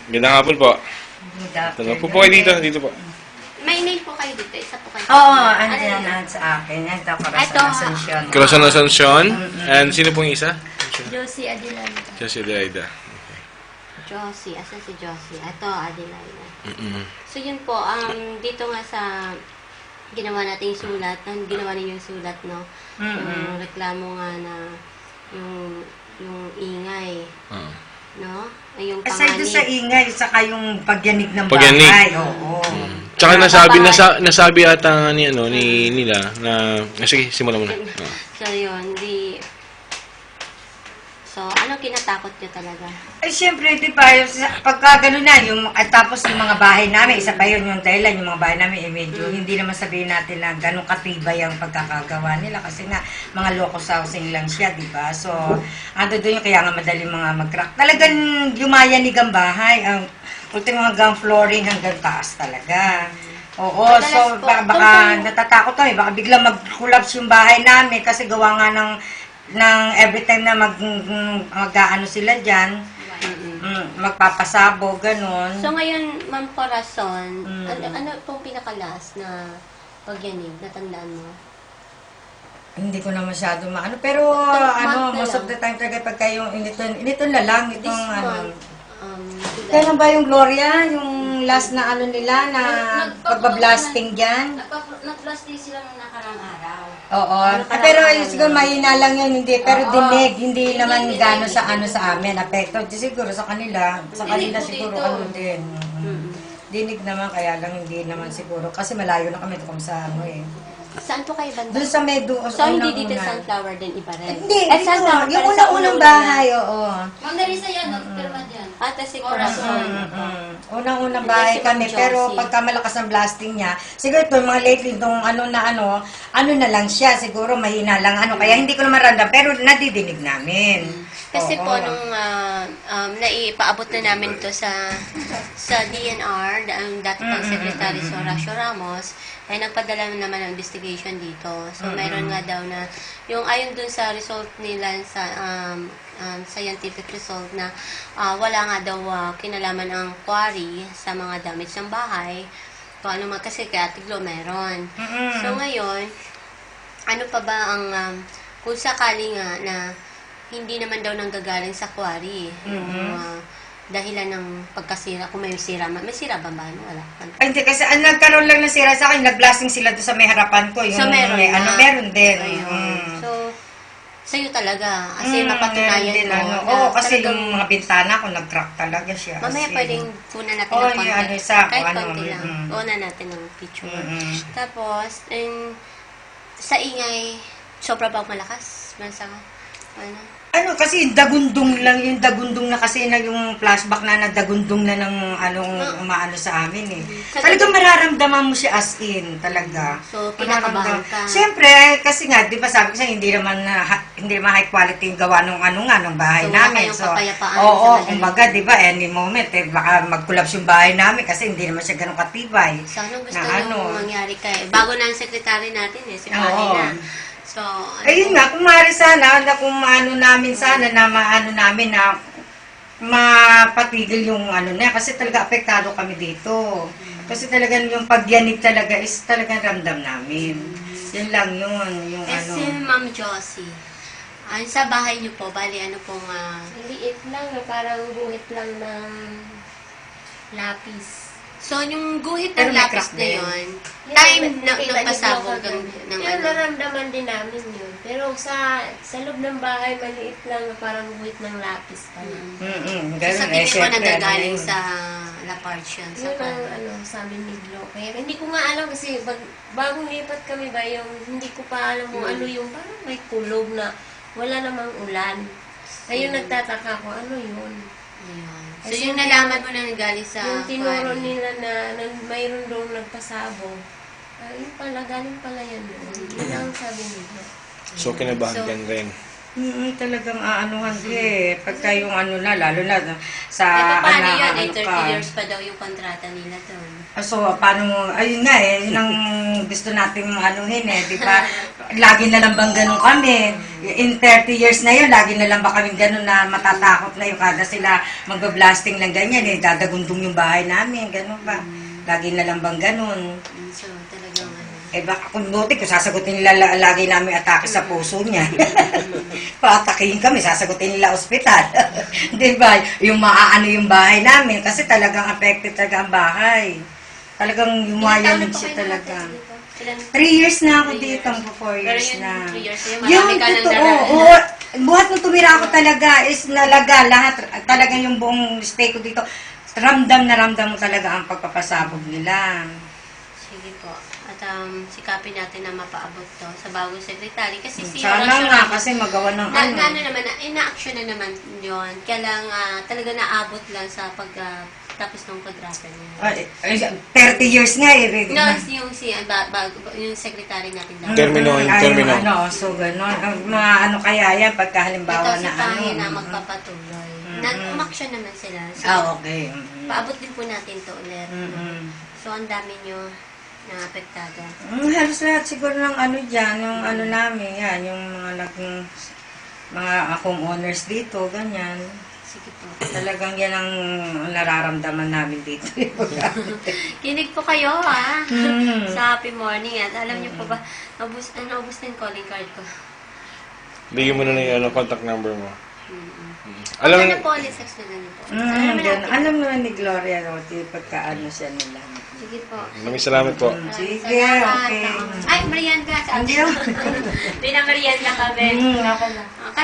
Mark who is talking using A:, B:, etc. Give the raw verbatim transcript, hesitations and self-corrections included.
A: Gandang hapon po.
B: Good
A: Ano
B: afternoon.
A: po po kayo dito? Dito po.
C: May name po kayo dito. Isa po kayo.
B: Oo,
C: Ano
B: andyan
C: yun?
B: na sa akin. Ito,
C: Ito,
B: Corazon Asuncion.
A: Corazon Asuncion. And sino pong isa?
C: Josie Adelaida.
A: Josie Adelaida.
C: Josie. Asan si Josie? Ito, Adelaida.
A: Mm-mm.
C: So, yun po. Um, dito nga sa ginawa nating sulat, ang ginawa ninyo yung sulat, no? Yung reklamo nga na yung, yung ingay,
A: Ah.
C: no? Ay, yung
B: Aside doon sa
C: panganib.
B: ingay, saka yung pagyanig ng
A: Pagyanig.
B: bahay. Oo.
A: Tsaka nasabi, nasa, nasabi ata nga ni, ano, ni nila na... Ah, sige, simulan mo na. Ah.
C: So, yun. Di... So, anong kinatakot nyo talaga?
B: Ay, siyempre, di ba, yung sa- pagka gano'n na, yung, at tapos yung mga bahay namin, isa pa yun yung dahilan, yung mga bahay namin, eh, medyo, hindi naman sabihin natin na gano'ng katibay ang pagkakagawa nila, kasi nga, mga locos housing lang siya, di ba? So, ando doon yung kaya nga madaling mga mag-crack. Talagang yumayanig ang bahay, ang ultimo hanggang flooring hanggang taas talaga. Oo,
C: Madalas
B: so
C: po,
B: baka, baka
C: tungkol-
B: natatakot kami, baka biglang mag-collapse yung bahay namin kasi gawa nga ng, ng every time na mag, mag-ano sila dyan, mm, magpapasabo, ganun.
C: So ngayon, Ma'am Corazon,
B: Mm.
C: ano, ano pong pinakalas na pagyanig? Natandaan mo?
B: Hindi ko na masyado maano, pero
C: Itong
B: ano,
C: month na
B: most of
C: lang.
B: the time talaga pagka yung initon, initon na lang,
C: This
B: itong ano.
C: month, um, July.
B: Kailan ba yung Gloria, yung last na ano nila, na pagbablasting dyan?
C: Nag-blast din sila nung nakarang araw.
B: Oo.
C: Ano
B: Ah, pero
C: parang-
B: yun, siguro mahina lang yun, hindi. Pero
C: Oo.
B: dinig, hindi
C: Hindi,
B: naman
C: hindi,
B: gano'n
C: hindi.
B: sa ano sa amin. Apekto, di siguro sa kanila. Sa
C: Dinig
B: kanila
C: po
B: siguro
C: dito.
B: ano din. Mm.
C: Mm.
B: Dinig naman, kaya lang hindi naman siguro. Kasi malayo na kami kung sa ano eh.
C: Saan po kayo banda?
B: Doon sa Medu.
C: So, hindi dito Sunflower din iba rin?
B: Hindi,
C: Eh,
B: dito.
C: Sunflower
B: Yung
C: pala sa
B: unang-unang
C: una-una.
B: bahay, oo.
D: Ma'am Narisa yan, nagpirma dyan.
C: Ate si Corazon.
B: Mm-mm. Unang-unang
C: Hindi,
B: bahay
C: si Ma'am
B: kami, pero
C: Josie.
B: pagka malakas ang blasting niya, siguro ito, mga lately, itong ano na ano, ano na lang siya, siguro mahina lang ano, kaya hindi ko naman random, pero nadidinig namin.
C: Kasi
B: Oo.
C: po, nung uh, um, naipaabot na namin to sa sa D N R, ang dati pang Secretary si Horacio Ramos, ay nagpadala naman ng investigation dito. So, mayroon nga daw na, yung ayon dun sa result nila, sa um, um, scientific result na ah, wala nga daw ah, kinalaman ang quarry sa mga damage ng bahay. Kung ano man, kasi kaya tiglo meron.
B: Mm-mm.
C: So, ngayon, ano pa ba ang, um, kung sakali nga na hindi naman daw nanggagaling sa quarry, yung uh, dahilan ng pagkasira, kung may sira, may sira ba ba? Ano? Wala.
B: Ay, hindi, kasi ang nagkaroon lang ng sira sa akin, nag-blasting sila doon sa may harapan ko. Yung,
C: So, meron
B: may,
C: na.
B: ano, meron din.
C: Ayun.
B: Mm.
C: So, sa'yo talaga. Kasi
B: Mm,
C: mapatunayan
B: meron din,
C: mo.
B: ano.
C: na
B: Oo, kasi
C: talagang-
B: yung mga bintana ko, nag-crack talaga siya.
C: Mamaya
B: As in.
C: pwedeng kunan natin
B: Oo,
C: ng
B: yung
C: konti.
B: ano, isa,
C: Kahit
B: ano,
C: konti lang.
B: mm.
C: Kunan natin ng picture.
B: Mm-mm.
C: Tapos, and, sa ingay, sobra ba malakas? Mansa ka? Ano?
B: Ano, kasi dagundong lang, yung dagundong na kasi na yung flashback na nagdagundong na ng anong umaano sa amin eh.
C: Sa-
B: Talagang mararamdaman mo siya as in, talaga.
C: So, kinakabahan
B: Mararamdam-
C: ka.
B: Siyempre, kasi nga, di ba sabi ko sa'yo, hindi naman, na, ha- hindi naman high quality yung gawa nung ano nga, nung bahay
C: So, wala
B: namin.
C: kayong
B: So,
C: kapayapaan
B: oo,
C: sa madaling-
B: kumbaga, di ba, any moment, eh, baka mag-collapse yung bahay namin kasi hindi naman siya ganun katibay.
C: So, anong gusto
B: Na
C: nyo
B: ano?
C: mangyari kay Bago na ang secretary natin eh, si
B: Oo.
C: Pahina. So, ano
B: Ayun
C: po?
B: nga, kung maaari sana, na kung maano namin sana, na maano namin na mapatigil yung ano na, kasi talaga apektado kami dito. Kasi talagang yung pagyanig talaga is talagang ramdam namin. Yun lang yun, yung
C: Eh,
B: ano.
C: si Ma'am Josie, ah, sa bahay niyo po, bali ano pong ah,
D: Liit lang, parang buhit lang ng lapis.
C: so, yung guhit
B: Pero
C: ng
B: may
C: lapis
B: crack
C: na
B: din.
C: yun,
D: Yan,
C: time
D: may-
C: na
D: may
C: nagpasabog
D: banig
C: ng,
D: lang
C: ng
D: Pero
C: ano.
D: naramdaman din namin yun. Pero sa sa loob ng bahay, maliit lang na parang buhit ng lapis pa lang.
B: Mm-mm,
C: So,
B: ganun
C: sa
B: eh,
C: tingin ko
B: syempre,
C: nagagaling
B: ano yun.
C: sa La Parche yun, sa
D: Yun ang
C: kan-
D: ano, sabi ni Glo. Kaya hindi ko nga alam kasi bag, bagong lipat kami ba yung hindi ko pa alam kung
C: Hmm.
D: ano yung parang may kulog na wala namang ulan. Ayun
C: Hmm.
D: nagtataka ko, ano yun?
C: Ayun. So,
D: Kasi
C: yung
D: yung-
C: nalaman mo na galing sa
D: yung tinuro
C: quarry.
D: nila na, na mayroon doon nagpasabog. Ah, yun pala, galing pala yan doon. Yun ang sabi nila.
A: So, kinabahan
C: So,
A: ka rin.
B: Mm, talagang aanuhan ko eh. Pagka yung ano na, lalo na sa
C: Eh, paano
B: ana-
C: yun? Eh,
B: ano
C: thirty
B: ka.
C: years pa daw yung kontrata nila doon.
B: Ah, So, paano mo, ayun nga eh, yun ang gusto nating anuhin eh, di ba? Lagi na lang bang ganun kami? In thirty years na yun, lagi na lang ba kami ganun na matatakot na yung kada sila magbablasting ng ganyan eh, dadagundong yung bahay namin, ganun ba? Lagi na lang bang ganun?
C: Mm, So, talagang ano.
B: Eh baka kung buti, kung sasagutin nila la- lagi namin atake sa puso niya. Paatakihin kami, sasagutin nila ospital. Di ba? Yung maaano yung bahay namin, kasi talagang affected talaga ang bahay. Talagang
C: Ilang taon
B: yumayan
C: na po
B: siya
C: kayo
B: talaga.
C: nakatira dito? Ilan?
B: Three years na ako
C: Three
B: dito,
C: years.
B: magpo four
C: Pero
B: years
C: yun,
B: na.
C: three years na yun,
B: Yung
C: marami ka nang
B: totoo,
C: dala-
B: oo. Buhat nung tumira ako talaga is nalaga lahat. Talagang yung buong stay ko dito, ramdam na ramdam mo talaga ang pagpapasabog nila.
C: Sige po. At um, sikapin natin na mapaabot to sa bagong secretary. Kasi si
B: Sana
C: Horacio
B: nga,
C: Ramos,
B: kasi magawa ng
C: na,
B: ano.
C: na, ano naman, na, ina-action na naman yun. Kaya lang ah, talaga naabot lang sa pag ah, tapos ng kontrata niya.
B: Ay, ay, thirty years nga eh. Rick.
C: No, yung si ah, ba, ba, yung secretary natin daw.
A: Termino, yung
B: Ay,
A: termino.
B: Ano, so gano'n. Ang mga ano kaya yan, pagka halimbawa
C: Ito si
B: na ano.
C: Pangy na magpapatuloy. Na, umaksyon naman sila. So,
B: Ah, okay. Mm-mm.
C: paabot din po natin to ulit.
B: Mm-mm.
C: So, ang dami nyo na apektado.
B: Mm, halos lahat siguro ng ano dyan, yung ano namin, yan, yung mga nag, mga homeowners dito, ganyan.
C: Sige po.
B: Talagang yan ang nararamdaman namin dito.
C: Kinig po kayo, ha?
B: Mm.
C: Sa happy morning. At alam niyo po ba, naubos, ah, naubos na yung calling card ko.
A: Bigyan mo na na yung ano, contact number mo.
C: Mm-hmm.
A: Alam,
C: Alam na po, ulit sex na ganito.
B: Mm,
C: Alam naman
B: gan-
C: natin.
B: alam naman ni Gloria Roti pagka ano siya nila.
C: Sige po.
A: maraming salamat po.
B: Mm,
C: Maraming
B: sige,
C: salamat.
B: okay.
C: Ay, Marian ka.
B: Hindi ako.
C: Hindi na Marian na kami.
B: Mm, ako na.
C: Okay.